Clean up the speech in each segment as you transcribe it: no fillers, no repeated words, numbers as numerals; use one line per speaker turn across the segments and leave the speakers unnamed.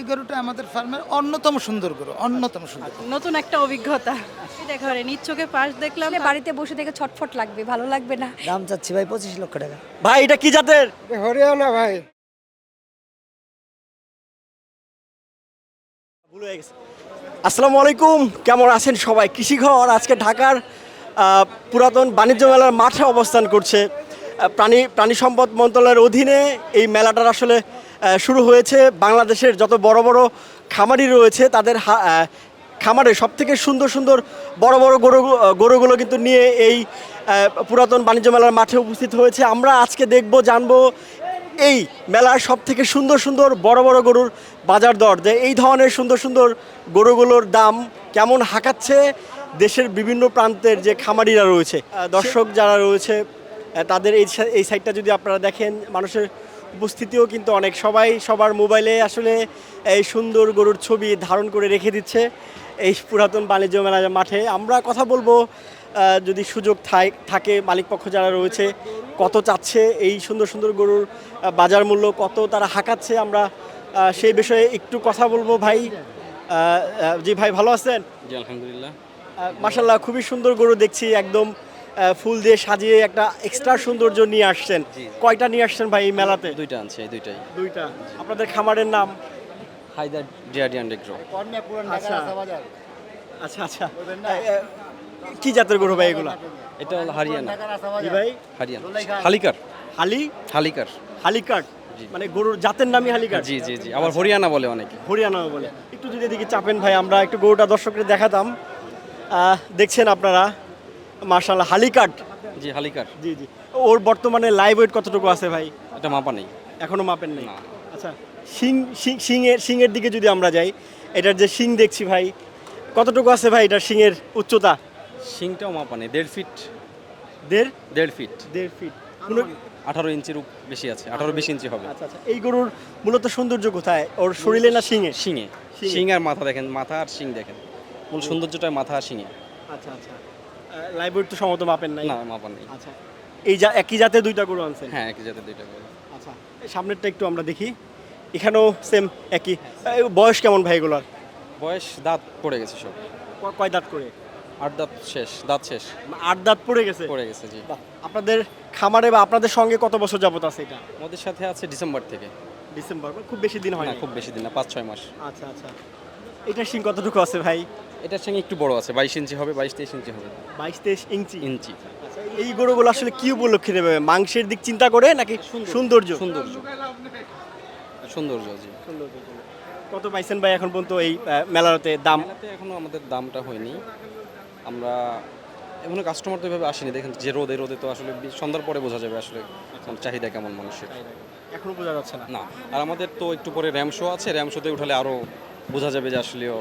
গরুটা আমাদের ফার্মের অন্যতম সুন্দর গরু, অন্যতম সুন্দর।
নতুন একটা অভিজ্ঞতা। দেখো রে নিজ চোখে পাশ দেখলাম,
আসলে বাড়িতে বসে থেকে ছটফট লাগবে, ভালো লাগবে না।
দাম চাচ্ছি ভাই 25 লক্ষ টাকা।
ভাই এটা কি জাতের?
হরিয়ানা ভাই।
ভুল হয়ে গেছে। আসসালামু আলাইকুম, কেমন আছেন সবাই? কৃষিঘর আজকে ঢাকার পুরাতন বাণিজ্য মেলার মাঠে অবস্থান করছে। প্রাণী সম্পদ মন্ত্রণালয়ের অধীনে এই মেলাটার আসলে শুরু হয়েছে। বাংলাদেশের যত বড় বড় খামারি রয়েছে তাদের খামারে সবথেকে সুন্দর সুন্দর বড় বড় গরুগুলো কিন্তু নিয়ে এই পুরাতন বাণিজ্য মেলার মাঠে উপস্থিত হয়েছে। আমরা আজকে দেখব, জানবো এই মেলার সব থেকে সুন্দর সুন্দর বড় বড় গরুর বাজার দর, যে এই ধরনের সুন্দর সুন্দর গরুগুলোর দাম কেমন হাঁকাচ্ছে দেশের বিভিন্ন প্রান্তের যে খামারিরা রয়েছে। দর্শক যারা রয়েছে তাদের এই সাইডটা যদি আপনারা দেখেন, মানুষের উপস্থিতিও কিন্তু অনেক, সবাই সবার মোবাইলে আসলে এই সুন্দর গরুর ছবি ধারণ করে রেখে দিচ্ছে এই পুরাতন বাণিজ্য মেলার মাঠে। আমরা কথা বলবো, যদি সুযোগ থাকে, মালিকপক্ষ যারা রয়েছে কত চাচ্ছে এই সুন্দর সুন্দর গরুর বাজার মূল্য কত তারা হাঁকাচ্ছে, আমরা সেই বিষয়ে একটু কথা বলবো। ভাই, জি ভাই, ভালো আছেন?
জি আলহামদুলিল্লাহ।
মাশাল্লাহ, খুবই সুন্দর গরু দেখছি, একদম ফুল দিয়ে সাজিয়ে একটা এক্সট্রা সৌন্দর্য নিয়ে আসছেন। কয়টা নিয়ে আসছেন ভাই এই মেলাতে?
দুইটা আনছে, এই দুইটাই।
দুইটা। আপনাদের খামারের নাম?
Haidar DRD and agro.
আচ্ছা আচ্ছা আচ্ছা। কি জাতের গরু ভাই এগুলা?
এটা হলো হারিয়ানা।
জি ভাই,
হারিয়ানা হালিকার। হালিকার।
হালিকাট, মানে গরুর জাতের নামই হালিকাট?
জি জি জি, আবার হরিয়ানা বলে অনেকে।
হরিয়ানাও বলে। একটু যদি এদিকে চাপেন ভাই, আমরা একটু গরুটা দর্শকদের দেখাতাম। দেখছেন আপনারা, মাশাআল্লাহ, হালিকাট।
জি হালিকার।
জি জি। ওর বর্তমানে লাইভ ওয়েট কতটুকু আছে ভাই?
এটা মাপা নেই
এখনো মাপেন নেই?
না।
আচ্ছা, শিংয়ের দিকে যদি আমরা যাই, এটার যে শিং দেখছি ভাই, কতটুকু আছে ভাই এটার শিংয়ের উচ্চতা?
শিংটাও মাপা নেই, 1.5 ফিট।
দেড়
1.5 ফিট।
1.5 ফিট।
18 ইঞ্চির বেশি আছে, 18-20 ইঞ্চি হবে।
আচ্ছা আচ্ছা। এই গরুর মূলত সৌন্দর্য কোথায়, ওর শরীরে না শিঙে?
শিঙে। শিং আর মাথা দেখেন, মাথা আর শিং দেখেন, মূল সৌন্দর্যটা মাথা আর শিঙে।
আচ্ছা আচ্ছা। লাইভ ওয়েট তো সম্ভবত মাপেন নাই?
না, মাপা নেই।
আচ্ছা, এই একই জাতে দুইটা গরু আনছেন?
হ্যাঁ, একই জাতের দুইটা করে।
আচ্ছা, সামনেরটা একটু আমরা দেখি, এখানেও সেম একই। বয়স কেমন ভাই এগুলোর?
বয়স দাঁত পড়ে গেছে সব।
কয় দাঁত করে?
8 দাঁত শেষ, দাঁত শেষ।
8 দাঁত পড়ে গেছে?
পড়ে গেছে, জি।
বাহ। আপনাদের খামারে বা আপনাদের সঙ্গে কত বছর যাবত আছে এটা?
আমাদের সাথে আছে ডিসেম্বর থেকে।
ডিসেম্বর, খুব বেশি দিন হয়
না,
না?
খুব বেশি দিন না, 5-6 মাস।
আচ্ছা আচ্ছা। এটার শিং কতটুকু আছে ভাই?
এটার সঙ্গে একটু বড় আছে, 22 ইঞ্চি হবে, 22-23 ইঞ্চি হবে।
22-23 ইঞ্চি।
ইঞ্চি।
এই গরুগুলো আসলে কি উপলক্ষে নেবে? মাংসের দিক চিন্তা করে নাকি সৌন্দর্য?
সৌন্দর্য, সৌন্দর্য, জি।
সৌন্দর্য। কত পাইছেন ভাই এখন পর্যন্ত এই মেলাতে দাম?
মেলাতে এখনো আমাদের দামটা হয়নি, আমরা এখনো কাস্টমার তো এভাবে আসেনি। দেখেন যে রোদে তো আসলে সন্ধ্যার পরে বোঝা যাবে আসলে চাহিদা কেমন মানুষের।
এখনো বোঝা যাচ্ছে না?
না, আর আমাদের তো একটু পরে র্যাম শো আছে, র্যাম শোতে উঠালে আরও বোঝা যাবে যে আসলেও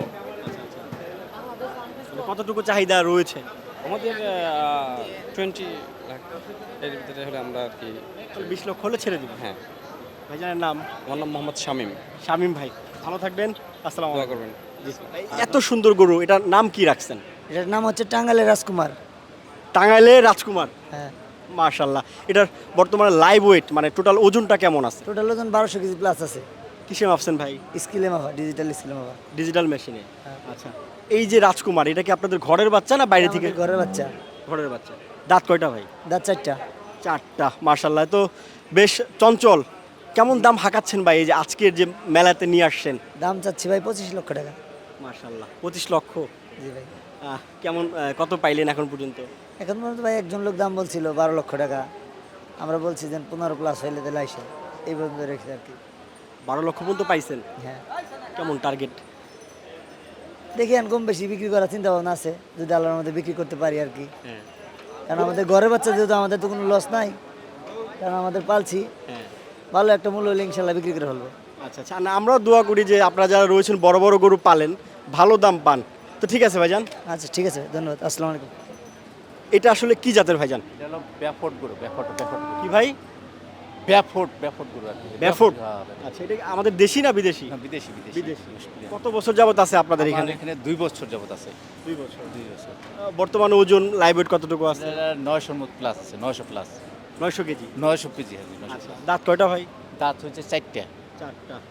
কতটুকু চাহিদা রয়েছে?
আমাদের 20 লাখ এর ভিতরে হলে আমরা আর কি।
20 লক্ষ হলে ছেড়ে দিব?
হ্যাঁ।
ভাইজানের নাম?
আমার নাম মোহাম্মদ শামীম।
শামীম ভাই, ভালো থাকবেন। আসসালামু
দোয়া
আলাইকুম।
করবেন।
এত সুন্দর গরু, এটার নাম কি রাখছেন?
এটার নাম হচ্ছে টাঙ্গাইলের রাজকুমার।
টাঙ্গাইলের রাজকুমার।
হ্যাঁ।
মাশাআল্লাহ। এটার বর্তমানে লাইভ ওয়েট মানে টোটাল ওজনটা কেমন আছে?
টোটাল ওজন 1200 কেজি প্লাস আছে।
কিসে মাপছেন ভাই?
স্কেলে মাপা, ডিজিটাল স্কেলে মাপা।
ডিজিটাল মেশিনে? আচ্ছা। এই যে রাজকুমার, এটা কি আপনাদের ঘরের বাচ্চা না বাইরে থেকে?
আমাদের ঘরের বাচ্চা।
ঘরের বাচ্চা। দাঁত কয়টা ভাই?
দাঁত 4টা।
4টা। মাশাআল্লাহ, তো বেশ চঞ্চল। কেমন দাম হাঁকাচ্ছেন ভাই এই যে আজকের যে মেলাতে নিয়ে আসছেন?
দাম চাচ্ছি ভাই 25 লক্ষ টাকা।
মাশাআল্লাহ, 25 লক্ষ।
জি ভাই।
কেমন কত পাইলেন এখন পর্যন্ত?
এখন পর্যন্ত ভাই একজন লোক দাম বলছিল 12 লক্ষ টাকা, আমরা বলছি যে 15 প্লাস হইলে দিলে আইসে, এই পর্যন্ত রেখে আর কি।
12 লক্ষ পর্যন্ত পাইছেন?
হ্যাঁ।
কেমন টার্গেট?
দেখি কম বেশি বিক্রি করার চিন্তা ভাবনা আছে, যদি আল্লাহর মধ্যে বিক্রি করতে পারি আর কি।
হ্যাঁ।
কারণ আমাদের ঘরের বাচ্চা যেহেতু আমাদের তো কোনো লস নাই, কারণ আমাদের পালছি,
হ্যাঁ।
ভালো একটা মূল্য হলে ইনশাল্লাহ বিক্রি করে ফেলবো।
আচ্ছা আচ্ছা। না, আমরাও দোয়া করি যে আপনারা যারা রয়েছেন বড় বড় গরু পালেন, ভালো দাম পান। তো ঠিক আছে ভাইজান।
আচ্ছা ঠিক আছে, ধন্যবাদ। আসসালামু আলাইকুম।
এটা আসলে কি জাতের ভাইজান?
এটা হলো ব্যাফোর্ড গরু, ব্যাফোর্ড
কি ভাই?
ব্যাফোর্ড গরু আর কি।
ব্যাফোর্ড।
হ্যাঁ,
আচ্ছা, এটা কি আমাদের দেশি না বিদেশি?
বিদেশি।
বিদেশি। কত বছর যাবত আছে আপনাদের
আমাদের
এখানে?
এখানে 2 বছর যাবত আছে।
2 বছর।
2 বছর।
বর্তমানে ওজন লাইভ ওয়েট কতটুকু আছে?
এটা 900 মত প্লাস আছে, 900 প্লাস।
900 কেজি।
900 কেজি হবে।
আচ্ছা। দাঁত কয়টা ভাই?
দাঁত হচ্ছে 4টা।
4টা।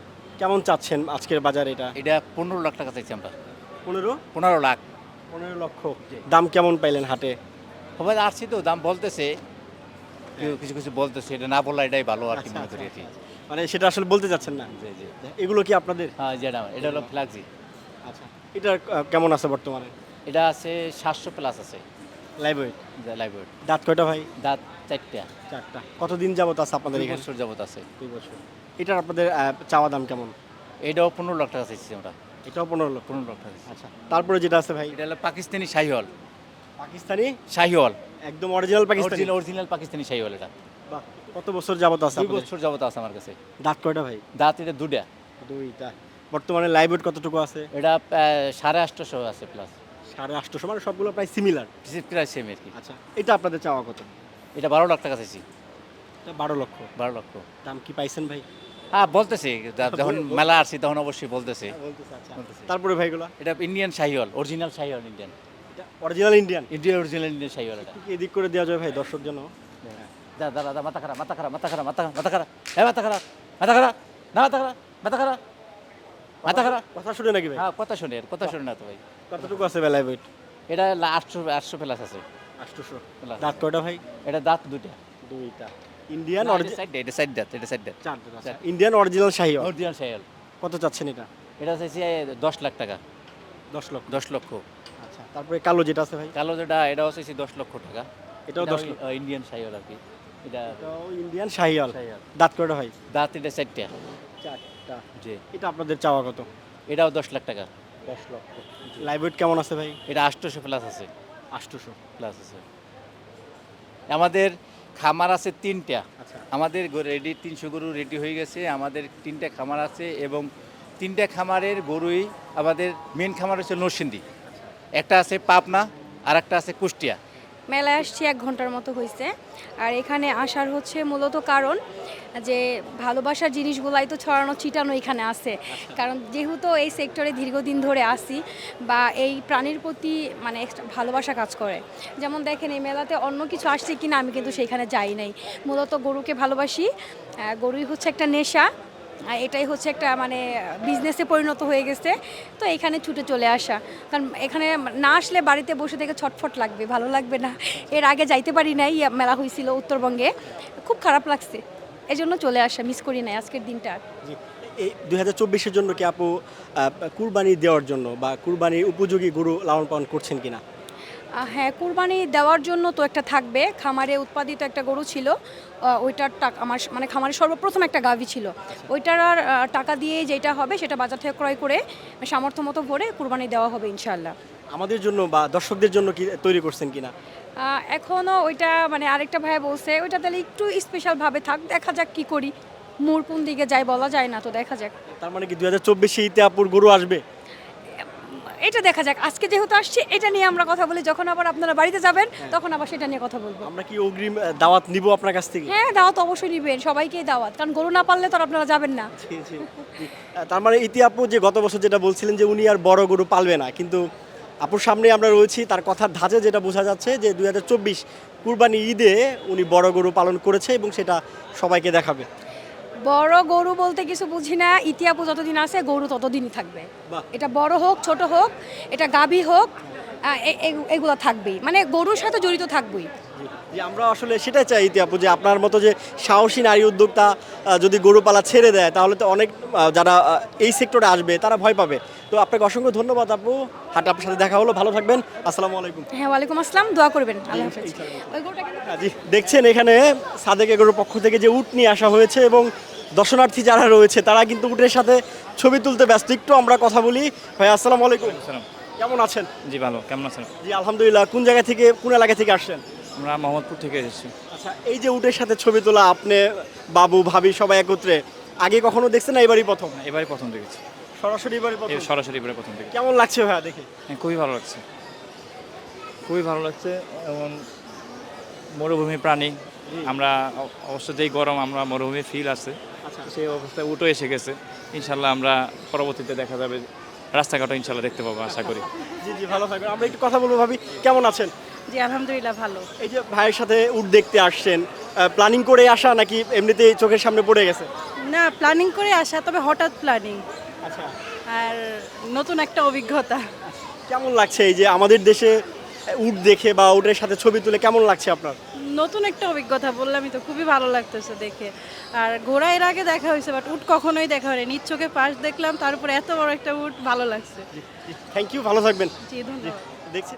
কেমন চাচ্ছেন আজকের বাজারে এটা?
এটা 15 লাখ টাকা চাইছি আমরা।
15
15 লাখ।
15 লক্ষ। দাম কেমন পাইলেন হাটে?
সবাই আসছি তো, দাম বলতেছে, কেউ কিছু কিছু বলতেছে, এটা না বললে এটাই ভালো আর কি মনে করি আর কি।
মানে সেটা আসলে বলতে চাচ্ছেন না?
জি জি।
এগুলো কি আপনাদের?
হ্যাঁ যেটা এটা হলো ফ্ল্যাগজি।
আচ্ছা, এটা কেমন আছে বর্তমানে?
এটা আছে 700 প্লাস আছে
লাইভ ওয়েট।
Live weight.
দাঁত কয়টা ভাই?
দাঁত 4টা।
4টা। কতদিন যাবত আছে আপনাদের
2
এখানে?
বছর যাবত আছে।
2 বছর। এটার আপনাদের চাওয়া দাম কেমন?
এটাও 15 লাখ টাকা চাইছি আমরা।
এটাও 15 লক্ষ।
15 লাখ টাকা।
আচ্ছা, তারপরে যেটা আছে ভাই?
এটা হলো পাকিস্তানি শাহিওয়াল।
পাকিস্তানি
শাহিওয়াল।
একদম অরিজিনাল পাকিস্তানি।
অরিজিনাল পাকিস্তানি শাহিওয়াল এটা।
বাহ, কত বছর যাবত আছে
2
আপনাদের?
বছর যাবত আছে আমার কাছে।
দাঁত কয়টা ভাই?
দাঁত এটা 2টা।
2টা। বর্তমানে লাইভ ওয়েট কতটুকু আছে?
এটা 850 আছে প্লাস।
850, মানে সবগুলো প্রায় সিমিলার।
প্রায় সেম আর কি।
আচ্ছা, এটা আপনাদের চাওয়া কত?
এটা 12 লাখ টাকা চাইছি।
এটা 12 লক্ষ।
12 লক্ষ।
দাম কি পাইছেন ভাই?
হ্যাঁ বলতেছে, যখন মেলা আসছি তখন অবশ্যই বলতেছে।
আচ্ছা, তারপরে ভাইগুলো?
এটা Indian Sahiwal, original Sahiwal Indian.
Original Indian.
Original Indian Sahiwal এটা।
এদিক করে দেওয়া যায় ভাই দর্শক জন্য?
দাদা মাথা খারাপ, মাথা খারাপ, মাথা খারাপ, মাথা খারাপ, হ্যাঁ মাথা খারাপ, মাথা খারাপ, না মাথা খারাপ, মাথা খারাপ, মাথা খারাপ।
কথা শুনে নাকি ভাই?
হ্যাঁ কথা শুনে, কথা শুনে না তো ভাই।
কতটুকু আছে ভাই লাইভ ওয়েট?
এটা 800 প্লাস আছে।
800।
Plus।
দাঁত কয়টা ভাই?
এটা দাঁত 2টা।
2টা। ইন্ডিয়ান
এটা সাইড দাঁত, এটা সাইড দাঁত।
4 দাঁত। আচ্ছা, Indian original Sahiwal.
Original Sahiwal.
কত চাচ্ছেন এটা?
এটা চাইছি 10 লাখ টাকা।
10 লক্ষ।
10 লক্ষ।
আচ্ছা, তারপরে কালো যেটা আছে ভাই?
কালো যেটা, এটাও চাইছি 10 লক্ষ টাকা।
এটাও 10 লক্ষ।
ইন্ডিয়ান শাহিওয়াল আর কি। এটা
এটাও ইন্ডিয়ান শাহিওয়াল।
শাহিওয়াল।
দাঁত কয়টা ভাই?
দাঁত এটা 4টা।
4টা।
জি।
এটা আপনাদের চাওয়া কত?
এটাও 10 লাখ টাকা।
10 লক্ষ। লাইভ ওয়েট কেমন আছে ভাই?
এটা 800 প্লাস আছে।
800
প্লাস আছে। আমাদের খামার আছে 3টা।
আচ্ছা।
আমাদের রেডি 300 গরু রেডি হয়ে গেছে। আমাদের 3টা খামার আছে এবং 3টা খামারের গরুই আমাদের মেন খামার হচ্ছে নরসিংদী। একটা আছে পাবনা আর একটা আছে কুষ্টিয়া।
মেলায় আসছি 1 ঘন্টার মতো হয়েছে। আর এখানে আসার হচ্ছে মূলত কারণ যে ভালোবাসার জিনিসগুলাই তো ছড়ানো ছিটানো এখানে আছে। কারণ যেহেতু এই সেক্টরে দীর্ঘদিন ধরে আসি বা এই প্রাণীর প্রতি মানে একটা ভালোবাসা কাজ করে। যেমন দেখেন এই মেলাতে অন্য কিছু আসছে কিনা আমি কিন্তু সেখানে যাই নাই। মূলত গরুকে ভালোবাসি। গরুই হচ্ছে একটা নেশা। এটাই হচ্ছে একটা মানে বিজনেসে পরিণত হয়ে গেছে। তো এখানে ছুটে চলে আসা, কারণ এখানে না আসলে বাড়িতে বসে থেকে ছটফট লাগবে, ভালো লাগবে না। এর আগে যাইতে পারি নাই, মেলা হয়েছিল উত্তরবঙ্গে, খুব খারাপ লাগছে, এই জন্য চলে আসা, মিস করি নাই আজকের দিনটা।
জি। এই 2024-এর জন্য কি আপু কুরবানি দেওয়ার জন্য বা কুরবানির উপযোগী গরু লালন পালন করছেন কিনা?
হ্যাঁ, কুরবানি দেওয়ার জন্য তো একটা থাকবে। খামারে উৎপাদিত একটা গরু ছিল, ওইটার টাকা আমার মানে খামারে সর্বপ্রথম একটা গাভী ছিল, ওইটার আর টাকা দিয়ে যেটা হবে সেটা বাজার থেকে ক্রয় করে সামর্থ্য মতো ভরে কুরবানি দেওয়া হবে ইনশাআল্লাহ।
আমাদের জন্য বা দর্শকদের জন্য কি তৈরি করছেন কিনা?
এখনও ওইটা মানে আরেকটা ভাই বলছে ওইটা তাহলে একটু স্পেশালভাবে থাক, দেখা যাক কি করি, মোড় কোন দিকে যায় বলা যায় না, তো দেখা যাক।
তার মানে কি 2024-এ ঈদে আপুর গরু আসবে?
এটা দেখা যাক, আজকে যেহেতু আসছি এটা নিয়ে আমরা কথা বলি, যখন আবার আপনারা বাড়িতে যাবেন তখন আবার সেটা নিয়ে কথা বলবো।
আমরা কি অগ্রিম দাওয়াত নিব আপনার কাছ থেকে?
হ্যাঁ, দাওয়াত অবশ্যই নিবেন, সবাইকেই দাওয়াত, কারণ গরু না পারলে তো আর আপনারা যাবেন না।
জি, জি। তার মানে ইতি আপু যে গত বছর যেটা বলছিলেন যে উনি আর বড় গরু পালবে না, কিন্তু আপুর সামনে আমরা রয়েছি, তার কথার ধাঁচে যেটা বোঝা যাচ্ছে যে 2024 কুরবানি ঈদে উনি বড় গরু পালন করেছে এবং সেটা সবাইকে দেখাবে।
বড় গরু বলতে কিছু বুঝি না, ইতিহাপু যতদিন আছে গরু ততদিনই থাকবে।
বাহ।
এটা বড় হোক ছোট হোক, এটা গাভী হোক, এগুলো থাকবেই, মানে গরুর সাথে জড়িত থাকবেই।
যে আমরা আসলে সেটাই চাই ইতি আপু, যে আপনার মতো যে সাহসী নারী উদ্যোক্তা যদি গরু পালা ছেড়ে দেয় তাহলে তো অনেক যারা এই সেক্টরে আসবে তারা ভয় পাবে। তো আপনাকে অসংখ্য ধন্যবাদ আপু, হাট আপনার সাথে দেখা হলো, ভালো থাকবেন, আসসালামু আলাইকুম।
হ্যাঁ, ওয়ালাইকুম আসসালাম, দোয়া করবেন, আল্লাহ হাফেজ। ওই গরুটা কিন্তু
জি, দেখছেন এখানে সাদেক এগোর পক্ষ থেকে যে উট নিয়ে আসা হয়েছে এবং দর্শনার্থী যারা রয়েছে তারা কিন্তু উটের সাথে ছবি তুলতে ব্যস্ত। একটু আমরা কথা বলি। ভাই আসসালামু আলাইকুম, কেমন আছেন?
জি ভালো, কেমন আছেন?
জি আলহামদুলিল্লাহ। কোন জায়গা থেকে, কোন এলাকা থেকে আসছেন?
আমরা মোহাম্মদপুর থেকে এসেছি।
আচ্ছা, এই যে উটের সাথে ছবি তোলা, আপনি বাবু ভাবি সবাই একত্রে, আগে কখনো দেখছেন না এবারই প্রথম?
এবারে প্রথম দেখেছি,
সরাসরি এবারই প্রথম?
সরাসরি এবারে প্রথম দেখেছি।
কেমন লাগছে ভাইয়া দেখে?
হ্যাঁ, খুবই ভালো লাগছে, খুবই ভালো লাগছে। এবং মরুভূমি প্রাণী, আমরা অবশ্য যেই গরম, আমরা মরুভূমি ফিল আছে,
আচ্ছা,
সেই অবস্থায় উঠো এসে গেছে। ইনশাল্লাহ আমরা পরবর্তীতে দেখা যাবে রাস্তাঘাটও ইনশাল্লাহ দেখতে পাবো, আশা করি।
জি জি, ভালো থাকবেন। আমরা একটু কথা বলবো। ভাবি কেমন আছেন?
জি আলহামদুলিল্লাহ ভালো।
এই যে ভাইয়ের সাথে উট দেখতে আসছেন, প্ল্যানিং করে আসা নাকি এমনিতেই চোখের সামনে পড়ে গেছে?
না প্ল্যানিং করে আসা, তবে হঠাৎ প্ল্যানিং
আচ্ছা,
আর নতুন একটা অভিজ্ঞতা।
কেমন লাগছে এই যে আমাদের দেশে উট দেখে বা উটের সাথে ছবি তুলে কেমন লাগছে আপনার?
নতুন একটা অভিজ্ঞতা, বললামই তো, খুবই ভালো লাগতেছে দেখে। আর ঘোড়া এর আগে দেখা হয়েছে, বাট উট কখনোই দেখা হয়নি। নিজ চোখে পাশ দেখলাম, তারপরে এত বড় একটা উট, ভালো লাগছে।
থ্যাংক ইউ, ভালো থাকবেন।
জি, ধন্যবাদ।
দেখছি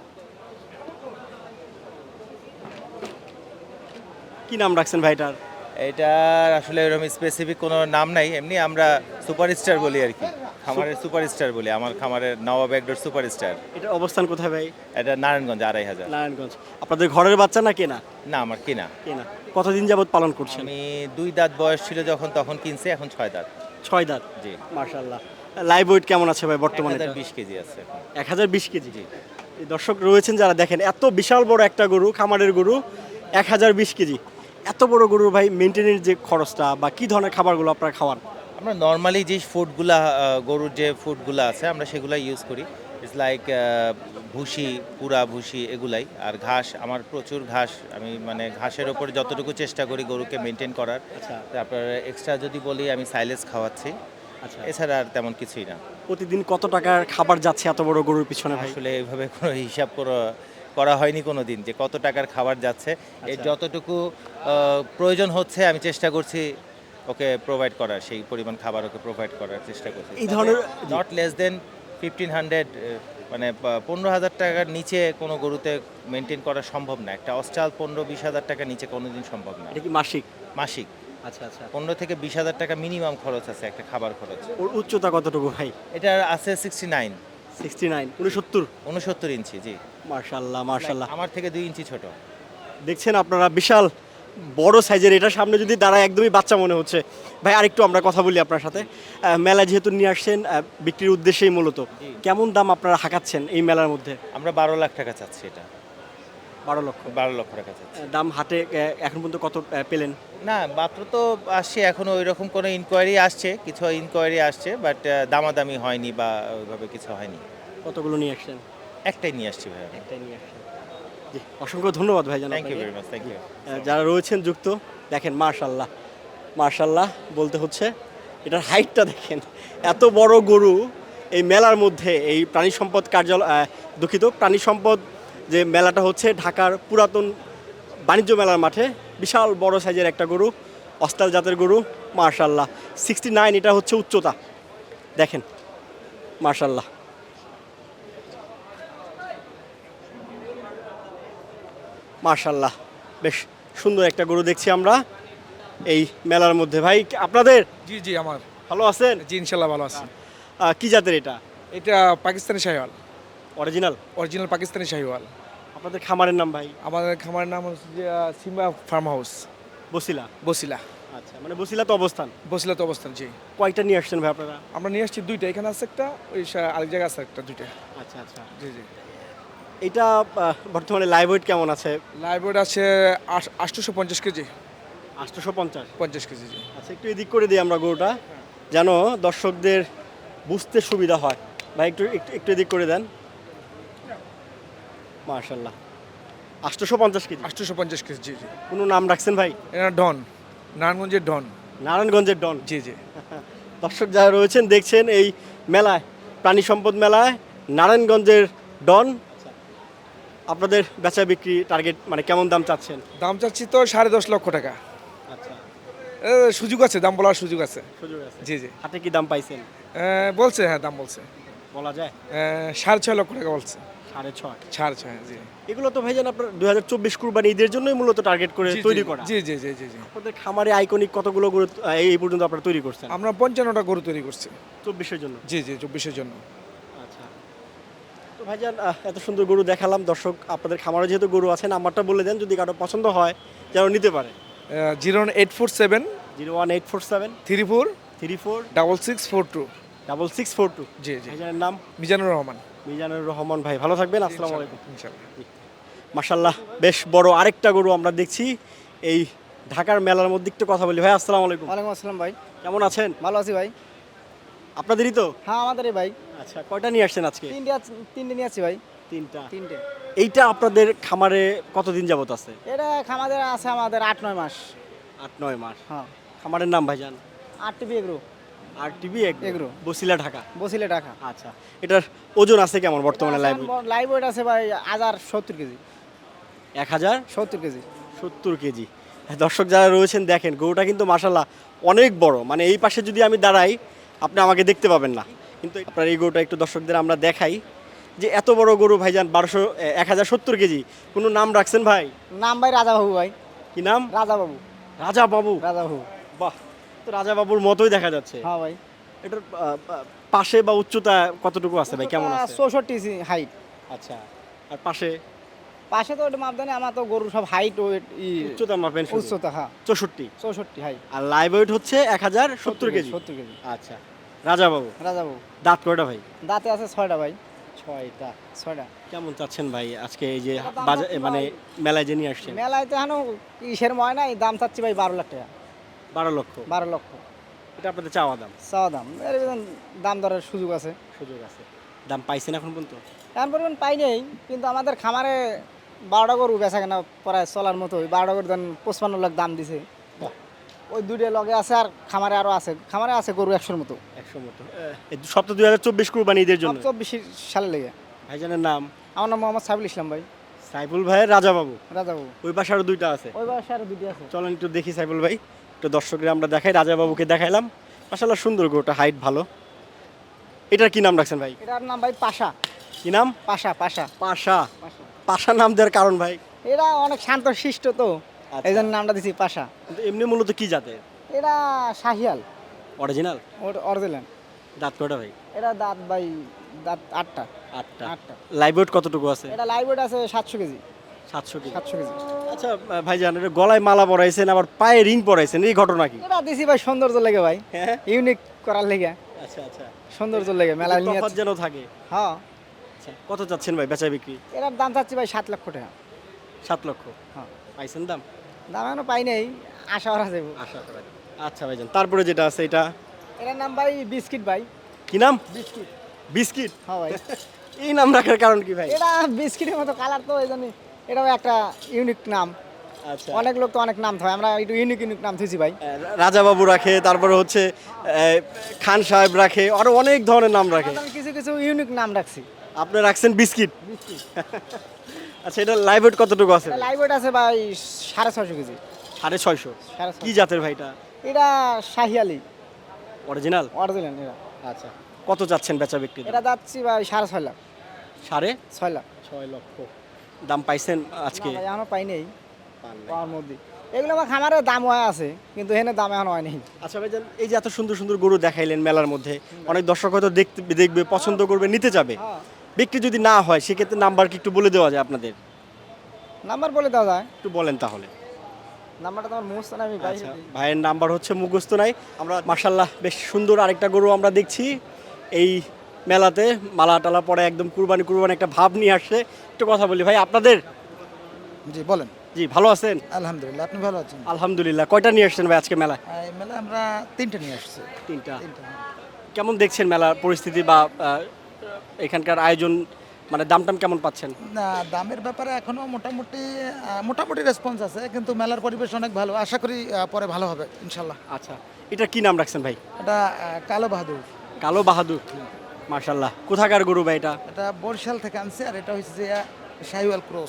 কি নাম রাখছেন ভাইটার?
এটার আসলে এরকম স্পেসিফিক কোনো নাম নাই, এমনি আমরা সুপারস্টার বলি আর কি, খামারের সুপারস্টার বলি। আমার খামারের নবাব একডোর সুপারস্টার।
এটার অবস্থান কোথায় ভাই?
এটা নারায়ণগঞ্জ 2500।
নারায়ণগঞ্জ। আপনাদের ঘরের বাচ্চা না কেনা?
না, আমার কিনা।
কেনা। কতদিন যাবত পালন করছেন?
আমি 2 দাঁত বয়স ছিল যখন, তখন কিনছি, এখন 6 দাঁত।
6 দাঁত।
জি।
মাশাআল্লাহ। লাইভ ওয়েট কেমন আছে ভাই বর্তমানে?
1020 কেজি আছে এখন।
1020 কেজি। এই দর্শক রয়েছেন যারা দেখেন, এত বিশাল বড় একটা গরু, খামারের গরু, 1020 কেজি। এত বড় গরুর ভাই মেনটেনের যে খরচটা বা কি ধরনের খাবারগুলো আপনারা খাওয়ান?
আমরা নর্মালি যে ফুডগুলা, গরুর যে ফুডগুলো আছে আমরা সেগুলাই ইউজ করি। ইটস লাইক ভুসি, পুরা ভুসি, এগুলাই। আর ঘাস, আমার প্রচুর ঘাস, আমি মানে ঘাসের ওপরে যতটুকু চেষ্টা করি গরুকে মেনটেন করার।
আচ্ছা।
তারপর এক্সট্রা যদি বলি, আমি সাইলেজ খাওয়াচ্ছি।
আচ্ছা।
এছাড়া আর তেমন কিছুই না।
প্রতিদিন কত টাকার খাবার যাচ্ছে এত বড় গরুর পিছনে ভাই?
আসলে এইভাবে কোনো হিসাব করা হয়নি কোনো দিন যে কত টাকার খাবার যাচ্ছে। এই যতটুকু প্রয়োজন হচ্ছে আমি চেষ্টা করছি ওকে প্রোভাইড করার, সেই পরিমাণ খাবার ওকে প্রোভাইড করার চেষ্টা করছি।
এই ধরনের
নট লেস দেন 1500, মানে 15,000 টাকার নিচে কোনো গরুতে মেনটেন করা সম্ভব না। একটা অস্টাল 15-20 হাজার টাকার নিচে কোনোদিন সম্ভব না।
এটা কি মাসিক?
মাসিক
আচ্ছা আচ্ছা।
15 থেকে 20 হাজার টাকা মিনিমাম খরচ আছে একটা খাবার খরচ।
ওর উচ্চতা কতটুকু ভাই?
এটার আছে 69
69
ইঞ্চি। জি।
মাশাআল্লাহ মাশাআল্লাহ।
আমার থেকে 2 ইঞ্চি ছোট।
দেখছেন আপনারা, বিশাল বড় সাইজের। এটার সামনে যদি দাঁড়ায় একদমই বাচ্চা মনে হচ্ছে। ভাই আরেকটু আমরা কথা বলি আপনার সাথে। মেলা যেহেতু নিয়ে আসছেন বিক্রির উদ্দেশ্যেই মূলত, কেমন দাম আপনারা হাঁকাচ্ছেন এই মেলার মধ্যে?
আমরা 12 লাখ টাকা চাচ্ছি এটা।
12 লক্ষ।
12 লক্ষ টাকা চাচ্ছি।
দাম হাটে এখন পর্যন্ত কত পেলেন?
না, মাত্র তো আসছে, এখনো ওই রকম কোনো ইনকোয়ারি আসছে, কিছু ইনকোয়ারি আসছে, বাট দামাদামি হয়নি বা ওইভাবে কিছু হয়নি।
কতগুলো নিয়ে আসছেন?
একটাই নিয়ে আসছি ভাই।
একটাই নিয়ে আসছেন। জি, অসংখ্য ধন্যবাদ ভাই।
Thank you very much. Thank you.
যারা রয়েছেন যুক্ত, দেখেন মাশাআল্লাহ মাশাআল্লাহ বলতে হচ্ছে। এটার হাইটটা দেখেন, এত বড় গরু এই মেলার মধ্যে। এই প্রাণী সম্পদ কার্যালয়, দুঃখিত, প্রাণী সম্পদ যে মেলাটা হচ্ছে ঢাকার পুরাতন বাণিজ্য মেলার মাঠে, বিশাল বড় সাইজের একটা গরু, অস্টাল জাতের গরু। মাশাআল্লাহ 69 এটা হচ্ছে উচ্চতা, দেখেন মাশাআল্লাহ। মাশাআল্লাহ, বেশ সুন্দর একটা গরু দেখছি আমরা এই মেলার মধ্যে। ভাই আপনাদের?
জি জি, আমার
ভালো আছেন?
জি ইনশাল্লাহ ভালো আছি।
কি জাতের এটা?
এটা পাকিস্তানি শাহিওয়াল,
অরিজিনাল?
অরিজিনাল পাকিস্তানি শাহিওয়াল।
আপনাদের খামারের নাম ভাই?
আমাদের খামারের নাম হচ্ছে যে Simba farm house,
Basila.
Basila.
আচ্ছা, মানে বসিলা তো অবস্থান।
বসিলা তো অবস্থান। জি।
কয়টা নিয়ে আসছেন ভাই আপনারা?
আমরা নিয়ে আসছি 2টা, এখানে আছে একটা, ওই আরেক জায়গায় আছে একটা, 2টা।
আচ্ছা আচ্ছা।
জি জি।
এটা বর্তমানে লাইভ ওয়েট কেমন আছে?
লাইভ ওয়েট আছে 850 কেজি।
850?
50 কেজি। জি।
আচ্ছা, একটু এদিক করে দিই আমরা গরুটা, যেন দর্শকদের বুঝতে সুবিধা হয়। ভাই একটু একটু একটু এদিক করে দেন। মাশাআল্লাহ 850 কেজি।
850 কেজি। জি জি।
কোনো নাম রাখছেন ভাই?
এটা ডন, নারায়ণগঞ্জের ডন।
নারায়ণগঞ্জের ডন।
জি জি।
দর্শক যারা রয়েছেন দেখছেন এই মেলায়, প্রাণী সম্পদ মেলায়, নারায়ণগঞ্জের ডন। আপনাদের বেচা বিক্রি টার্গেট মানে কেমন দাম চাচ্ছেন?
দাম চাচ্ছি তো 10.5 লক্ষ টাকা।
আচ্ছা,
সুযোগ আছে, দাম বলার সুযোগ আছে।
সুযোগ আছে?
জি জি।
হাতে কি দাম পাইছেন?
বলছে, হ্যাঁ দাম বলছে।
বলা যায়?
6.5 লক্ষ টাকা বলছে।
6.5?
6.5। জি।
এগুলো তো ভাইজান আপনার 2024 কুরবানি ঈদের জন্যই মূলত টার্গেট করে
জি,
তৈরি
জি,
করা।
জি জি জি জি জি।
আপনাদের খামারে আইকনিক কতগুলো গরু এই পর্যন্ত আপনারা তৈরি করছেন?
আমরা 55টা গরু তৈরি করছি
24-এর জন্য।
জি জি, 24-এর জন্য।
আচ্ছা, তো ভাইজান এত সুন্দর গরু দেখালাম। দর্শক আপনাদের খামারে যেহেতু গরু আছে, নাম্বারটা বলে দেন যদি কারো পছন্দ হয় যেন নিতে পারে।
01847
01847
34
34
6642।
6642।
জি জি।
ভাইজানের নাম?
মিজানুর রহমান।
মিজানুর রহমান ভাই, ভালো থাকবেন। আসসালামু আলাইকুম।
ইনশাআল্লাহ।
মাশাআল্লাহ, বেশ বড় আরেকটা গরু আমরা দেখছি এই ঢাকার মেলার মধ্যে। একটু কথা বলি ভাই। আসসালামু আলাইকুম।
ওয়ালাইকুম আসসালাম ভাই।
কেমন আছেন?
ভালো আছি ভাই।
আপনাদেরই তো?
হ্যাঁ আমাদেরই ভাই।
আচ্ছা, কয়টা নিয়ে আসছেন আজকে?
3টে নিয়ে আছি ভাই।
3টা?
3টে।
এইটা আপনাদের খামারে কতদিন যাবত আছে?
এটা খামাদের আছে আমাদের 8-9 মাস।
8-9 মাস।
হ্যাঁ।
খামারের নাম ভাইজান?
8 টিভি এগ্রো
আর টিভি
এগ্রো।
বসিলা ঢাকা।
বসিলে টাকা
আচ্ছা, এটার ওজন আছে কেমন বর্তমানে লাইভ?
লাইভ ওয়েট আছে ভাই 70 কেজি
1070
কেজি।
কেজি। দর্শক যারা রয়েছেন দেখেন গরুটা কিন্তু মাশাল্লাহ অনেক বড়, মানে এই পাশে যদি আমি দাঁড়াই আপনি আমাকে দেখতে পাবেন না, কিন্তু আপনার এই গরুটা একটু দর্শকদের আমরা দেখাই যে এত বড় গরু ভাইজান 1070 কেজি। কোনো নাম রাখছেন ভাই?
নাম ভাই রাজা বাবু ভাই।
কি নাম?
রাজা বাবু।
রাজা বাবু।
রাজা বাবু।
বাহ, তো রাজা বাবুর মতোই দেখা যাচ্ছে।
হ্যাঁ ভাই।
এটার পাশে বা উচ্চতা কতটুকু আছে ভাই, কেমন আছে?
64 হাইট।
আচ্ছা, আর পাশে?
পাশে তো ওটা মাপদানি, আমার তো গরু সব হাইট ওয়েট
উচ্চতা মাপেন শুধু?
উচ্চতা হ্যাঁ
64
হাইট।
আর লাইভ ওয়েট হচ্ছে 1070 কেজি।
70 কেজি।
আচ্ছা, রাজা বাবু।
রাজা বাবু।
দাঁত কয়টা ভাই?
দাঁতে আছে 6টা ভাই।
6টা।
6টা।
কেমন চাচ্ছেন ভাই আজকে এই যে
দাম
বাজার
হচ্ছে
মানে
ভাই,
মেলায় যে নিয়ে আসছেন?
মেলায় তো এখনো কিসের ময় নাই, দাম চাচ্ছি ভাই 12 লাখ টাকা।
12 লক্ষ।
12 লক্ষ
এটা আপনাদের চাওয়া দাম?
চাওয়া দাম। এর ভিতর দাম দরের সুযোগ আছে।
সুযোগ আছে। দাম পাইছেন এখন পর্যন্ত?
এমন পরিমাণ পাই নেই, কিন্তু আমাদের খামারে 12টা গরু বেচা কেনা প্রায় চলার মতো। 12টা গরু দেন 55 লাখ দাম দিছে। ওই দুইটা লগে আছে, আর খামারে আরো আছে। খামারে আছে গরু 100-র মতো।
100 মতো। এই সপ্তাহ 2024 কুরবানি ঈদের জন্য
24 সালে লেগে।
ভাইজানের নাম?
আমার নাম মোহাম্মদ সাইফুল ইসলাম ভাই।
সাইফুল ভাইয়ের রাজা বাবু।
রাজা বাবু।
ওই পাশে আরো দুইটা আছে।
ওই পাশে আরো দুইটা আছে।
চলেন একটু দেখি সাইফুল ভাই, একটু দর্শকরা আমরা দেখাই। রাজা বাবুকে দেখাইলাম, মাশাআল্লাহ সুন্দর গরুটা, হাইট ভালো। এটার কি নাম রাখছেন ভাই?
এটার নাম ভাই পাশা।
কি নাম?
পাশা। পাশা।
পাশা। পাশা নাম দেওয়ার কারণ ভাই?
এরা অনেক শান্ত শিষ্ট তো,
আচ্ছা।
এই জন্য নামটা দিছি পাশা।
কিন্তু এমনি মূলত কি জাতের?
এরা শাহিয়াল
অরিজিনাল?
অরিজিনাল।
দাঁত কয়টা ভাই?
এটা দাঁত ভাই দাঁত 8টা।
8টা।
8টা।
লাইভ ওয়েট কতটুকু আছে?
এটা লাইভ ওয়েট আছে 700 কেজি।
700 কেজি।
700 কেজি।
আচ্ছা ভাইজান, এটা গলায় মালা পরাইছেন আবার পায়ে রিং পরাইছেন, এই ঘটনা কি?
এটা দিছি ভাই সৌন্দর্য লেগে ভাই,
হ্যাঁ।
ইউনিক করার লেগে,
আচ্ছা আচ্ছা,
সৌন্দর্য লেগে মেলা নিয়ে।
তফাৎ যেন থাকে।
হ্যাঁ।
আচ্ছা, কত চাচ্ছেন ভাই বেচা বিক্রি?
এটার দাম চাচ্ছি ভাই 7 লক্ষ টাকা।
7 লক্ষ।
হ্যাঁ।
পাইছেন দাম?
দাম এখনো পাই নাই, আশা করা যাবে।
আশা করা যায়। আচ্ছা ভাইজান, তারপরে যেটা আছে এটা?
এটার নাম ভাই বিস্কিট ভাই।
কি নাম?
বিস্কিট।
বিস্কিট?
হ্যাঁ ভাই।
এই নাম রাখার কারণ কি ভাই?
এটা বিস্কিটের মতো কালার তো, এই জন্য এটাও একটা ইউনিক নাম।
আচ্ছা,
অনেক লোক তো অনেক নাম থাকে, আমরা একটু ইউনিক নাম থুইছি ভাই।
রাজা বাবু রাখে, তারপরে হচ্ছে খান সাহেব রাখে, আরো অনেক ধরনের নাম রাখে।
আমি কিছু কিছু ইউনিক নাম রাখছি।
আপনি রাখছেন বিস্কিট। আচ্ছা, এটা লাইভ ওয়েট কতটুকু আছে?
এটা লাইভ ওয়েট আছে ভাই 650 কেজি।
650?
650।
কি জাতের ভাইটা?
এটা শাহিয়ালি
অরিজিনাল?
অরিজিনাল। এটা
আচ্ছা, কত চাচ্ছেন বেচা বিক্রি?
এটা যাচ্ছি ভাই 6.5 লাখ।
6.5
লাখ।
6 লক্ষ। দাম পাইছেন আজকে?
না ভাই, এখনো পাই নেই পাওয়ার মধ্যে। এগুলো আমার খামারের দাম হয়ে আছে, কিন্তু এখানে দাম এখন হয় নাই।
আচ্ছা ভাইজান, এই যে এত সুন্দর সুন্দর গরু দেখাইলেন মেলার মধ্যে, অনেক দর্শক হয়তো দেখবে, পছন্দ করবে, নিতে যাবে।
হ্যাঁ।
বিক্রি যদি না হয় সেক্ষেত্রে নাম্বার কি একটু বলে দেওয়া যায় আপনাদের?
নাম্বার বলে দেওয়া যায়?
একটু বলেন তাহলে।
নাম্বারটা তোমার মুখস্থ না, আমি বাইরে
আচ্ছা,
দিই।
ভাইয়ের নাম্বার হচ্ছে মুখস্থ নাই। আমরা মাশাল্লাহ বেশ সুন্দর আরেকটা গরু আমরা দেখছি এই মেলাতে, মালা টালা পরে একদম কুরবানি একটা ভাব নিয়ে আসছে। একটু কথা বলি ভাই আপনাদের।
জি বলেন।
জি, ভালো আছেন?
আলহামদুলিল্লাহ, আপনি ভালো আছেন?
আলহামদুলিল্লাহ। কয়টা নিয়ে আসছেন ভাই আজকে মেলায়?
এই মেলা আমরা 3টে নিয়ে আসছি।
3টা।
3টে।
কেমন দেখছেন মেলার পরিস্থিতি বা এখানকার আয়োজন, মানে দাম টাম কেমন পাচ্ছেন?
না, দামের ব্যাপারে এখনো মোটামুটি রেসপন্স আছে, কিন্তু মেলার পরিবেশ অনেক ভালো। আশা করি পরে ভালো হবে ইনশাল্লাহ।
আচ্ছা, এটা কি নাম রাখছেন ভাই?
এটা কালো বাহাদুর।
কালো বাহাদুর। মাশাল্লাহ। কোথাকার গরু ভাই এটা?
এটা বরিশাল থেকে আনছে, আর এটা হচ্ছে যে শাহিওয়াল ক্রস।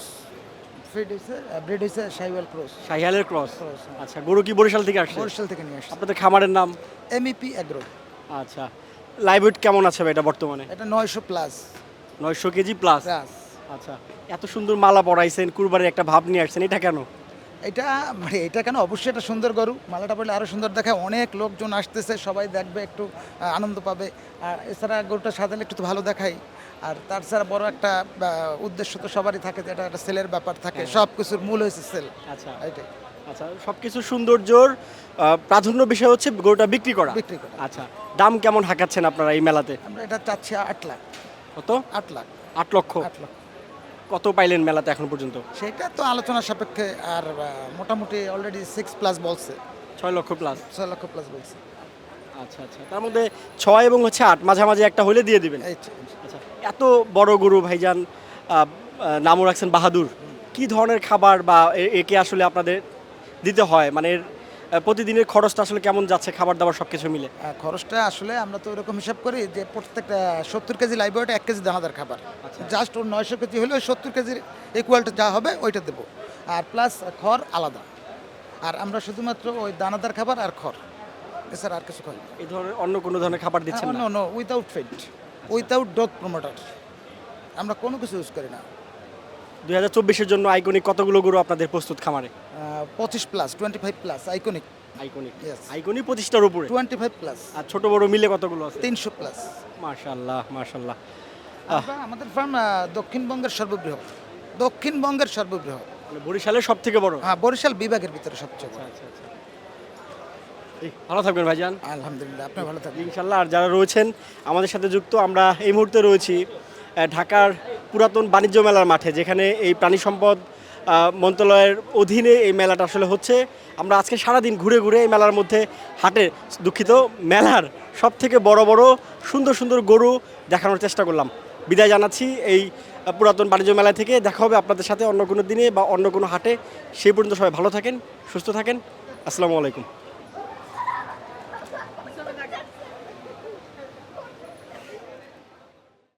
ব্রিড হচ্ছে শাহিওয়াল ক্রস।
শাহিয়ালের ক্রস।
Cross, হ্যাঁ।
আচ্ছা, গরু কি বরিশাল থেকে আসছে?
বরিশাল থেকে নিয়ে আসছে।
আপনাদের খামারের নাম?
MEP agro.
আচ্ছা, লাইভ ওয়েট কেমন আছে ভাই এটা বর্তমানে?
এটা 900 প্লাস।
900 KG plus.
প্লাস।
আচ্ছা, এত সুন্দর মালা পরাইছেন, কুরবানির একটা ভাব নিয়ে আসছেন, এটা কেন?
এটা কেন, অবশ্যই এটা সুন্দর গরু, মালাটা পড়লে আরো সুন্দর দেখায়। অনেক লোকজন আসতেছে, সবাই দেখবে, একটু আনন্দ পাবে। আর এছাড়া গরুটা সাজালে একটু তো ভালো দেখায়। আর তার ছাড়া বড় একটা উদ্দেশ্য তো সবারই থাকে, যে এটা একটা সেলের ব্যাপার থাকে। সব কিছুর মূল হয়েছে সেল।
আচ্ছা
এটাই।
আচ্ছা, সবকিছু সৌন্দর্যর প্রাধান্য বিষয় হচ্ছে গরুটা বিক্রি করা।
বিক্রি করা।
আচ্ছা, দাম কেমন হাঁকাচ্ছেন আপনারা এই মেলাতে?
আমরা এটা চাচ্ছি 8 লাখ।
কত?
8 লাখ।
8 লক্ষ।
8 লাখ।
কত পাইলেন মেলাতে এখন পর্যন্ত?
সেটা তো আলোচনা সাপেক্ষে, আর মোটামুটি অলরেডি 6+ বলছে।
6 লক্ষ প্লাস।
6 লক্ষ প্লাস বলছে।
আচ্ছা আচ্ছা, তার মধ্যে 6 এবং 8 মাঝামাঝি একটা হলে দিয়ে দিবেন।
এই তো।
আচ্ছা, এত বড় গরু ভাইজান, নামও রাখছেন বাহাদুর। কি ধরনের খাবার বা একে আসলে আপনাদের দিতে হয়, মানে এর প্রতিদিনের খরচটা আসলে কেমন যাচ্ছে খাবার দাবার সব কিছু মিলে?
খরচটা আসলে আমরা তো এরকম হিসাব করি যে প্রত্যেকটা 70 কেজি লাইভ ওয়েটে 1 কেজি দানাদার খাবার, জাস্ট ওর 900 কেজি হলে ওই 70 কেজির ইকুয়ালটা যা হবে ওইটা দেবো, আর প্লাস খড় আলাদা। আর আমরা শুধুমাত্র ওই দানাদার খাবার আর খড়, এছাড়া আর কিছু খাই না।
এই ধরনের অন্য কোনো ধরনের খাবার দিচ্ছেন না?
No, without feed, without dog promoter, আমরা কোনো কিছু ইউজ করি না।
2024-এর জন্য আইকনিক কতগুলো গরু আপনাদের প্রস্তুত খামারে?
25 plus, 25 plus, iconic
iconic
Yes.
Iconic 25টার উপরে।
25 প্লাস,
আর ছোট বড় মিলে কতগুলো আছে?
300 প্লাস।
মাশাআল্লাহ মাশাআল্লাহ।
আমাদের ফার্ম দক্ষিণবঙ্গের সর্ববৃহৎ, দক্ষিণবঙ্গের সর্ববৃহৎ,
মানে বরিশালের সব থেকে বড়।
হ্যাঁ বরিশাল বিভাগের ভিতরে সবচেয়ে বড়।
ভালো থাকবেন ভাইজান।
আলহামদুলিল্লাহ, আপনি ভালো থাকবেন।
ইনশাল্লাহ। আর যারা রয়েছেন আমাদের সাথে যুক্ত, আমরা এই মুহূর্তে রয়েছি ঢাকার পুরাতন বাণিজ্য মেলার মাঠে, যেখানে এই প্রাণী সম্পদ মন্ত্রণালয়ের অধীনে এই মেলাটা আসলে হচ্ছে। আমরা আজকে সারাদিন ঘুরে ঘুরে এই মেলার মধ্যে মেলার সব থেকে বড় বড় সুন্দর সুন্দর গরু দেখানোর চেষ্টা করলাম। বিদায় জানাচ্ছি এই পুরাতন বাণিজ্য মেলা থেকে। দেখা হবে আপনাদের সাথে অন্য কোনো দিনে বা অন্য কোনো হাটে। সেই পর্যন্ত সবাই ভালো থাকেন, সুস্থ থাকেন। আসসালামু আলাইকুম।